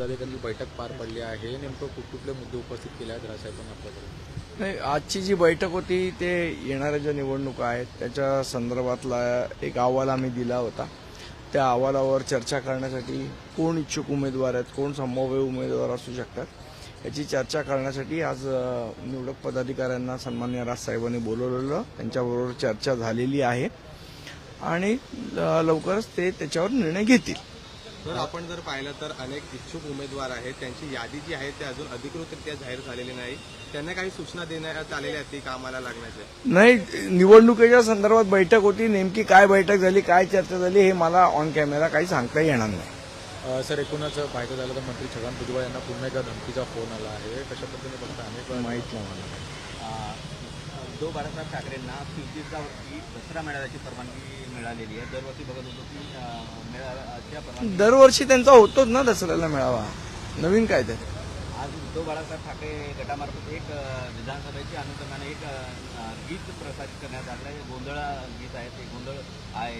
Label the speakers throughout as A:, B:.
A: पदाधिकाऱ्यांची बैठक पार पडली आहे. नेमकं कुठले मुद्दे उपस्थित केले आहेत राजसाहेबांनी आपल्याकडे?
B: नाही, आजची जी बैठक होती ते येणाऱ्या ज्या निवडणुका आहेत त्याच्या संदर्भातला एक अहवाल आम्ही दिला होता. त्या अहवालावर चर्चा करण्यासाठी कोण इच्छुक उमेदवार आहेत, कोण संभाव्य उमेदवार असू शकतात याची चर्चा करण्यासाठी आज निवडक पदाधिकाऱ्यांना सन्माननीय राजसाहेबांनी बोलवलेलं. त्यांच्याबरोबर चर्चा झालेली आहे आणि लवकरच ते त्याच्यावर निर्णय घेतील.
C: तर आपण जर पाहिलं तर अनेक इच्छुक उमेदवार आहेत, त्यांची यादी जी आहे ते अजून अधिकृतरित्या जाहीर झालेली नाही. त्यांना काही सूचना देण्यात आलेल्या आहेत कामाला लागण्याच्या?
B: नाही, निवडणुकीच्या संदर्भात बैठक होती. नेमकी काय बैठक झाली, काय चर्चा झाली हे मला ऑन कॅमेरा काही सांगता येणार नाही.
A: सर, एकूणच पाहायचं झालं तर मंत्री छगन भुजबळ यांना पुन्हा एकदा धमकीचा फोन आला आहे. कशा पद्धतीने बघता अनेक
B: माहीत नाही मला.
D: उद्धव बाळासाहेब ठाकरेंना फिरतीचा दसरा मेळाव्याची परवानगी मिळालेली आहे. दरवर्षी बघत होतो की मेळाव्याच्या परवानगी
B: दरवर्षी त्यांचा होतोच ना दसऱ्याला मेळावा. नवीन काय ते?
D: आज उद्धव बाळासाहेब ठाकरे गटामार्फत एक विधानसभेच्या अनुषंगाने एक गीत प्रसारित करण्यात आलं आहे. गोंधळ गीत आहे, ते गोंधळ आहे.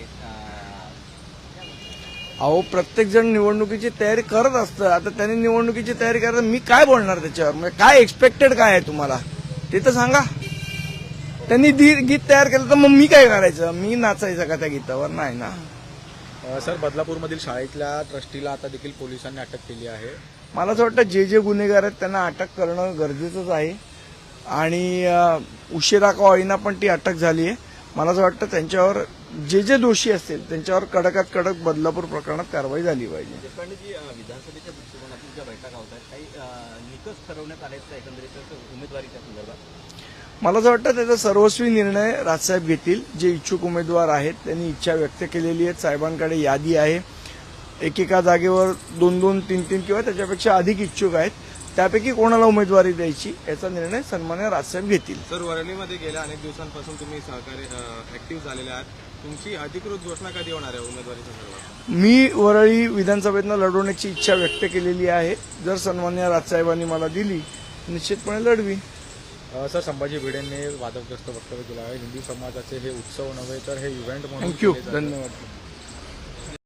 B: अहो, प्रत्येक जण निवडणुकीची तयारी करत असतं. आता त्यांनी निवडणुकीची तयारी करत, मी काय बोलणार त्याच्यावर? म्हणजे काय एक्सपेक्टेड काय आहे तुम्हाला ते तर सांगा. त्यांनी गीत तयार केलं तर मग मी काय करायचं? मी नाचायचं का त्या गीतावर? नाही ना.
A: सर, बदलापूरमधील शाळेतल्या ट्रस्टीला आता देखील पोलिसांनी अटक केली आहे.
B: मला असं वाटतं जे गुन्हेगार आहेत त्यांना अटक करणं गरजेचंच आहे आणि उशिरा का होईना पण ती अटक झाली आहे. मला असं वाटतं त्यांच्यावर जे दोषी असतील त्यांच्यावर कडकात कडक बदलापूर प्रकरणात कारवाई झाली पाहिजे.
D: देशपांडेजी, विधानसभेच्या दृष्टिकोनातून ज्या बैठका होत आहेत, काही निकष ठरवण्यात आले आहेत एकंदरीत उमेदवारीच्या संदर्भात?
B: मला असं वाटतं त्याचा सर्वस्वी निर्णय राजसाहेब घेतील. जे इच्छुक उमेदवार आहेत त्यांनी इच्छा व्यक्त केलेली आहे. साहेबांकडे यादी आहे. एकेका जागेवर 2-2, 3-3 किंवा त्याच्यापेक्षा अधिक इच्छुक आहेत. त्यापैकी कोणाला उमेदवारी द्यायची याचा निर्णय सन्माननीय राजसाहेब घेतील.
C: सर, वरळीमध्ये गेल्या अनेक दिवसांपासून तुम्ही सहकार्य ऍक्टिव्ह झालेले आहात. तुमची अधिकृत घोषणा कधी होणार आहे उमेदवारी संदर्भात?
B: मी वरळी विधानसभेतनं लढवण्याची इच्छा व्यक्त केलेली आहे. जर सन्माननीय राजसाहेबांनी मला दिली निश्चितपणे लढवी.
A: सर, संभाजी भिडेंनी वादग्रस्त वक्तव्य केलं आहे. हिंदू समाजाचे हे उत्सव नव्हे तर हे इव्हेंट म्हणून
B: थँक्यू,
A: केले जातात.
B: धन्यवाद.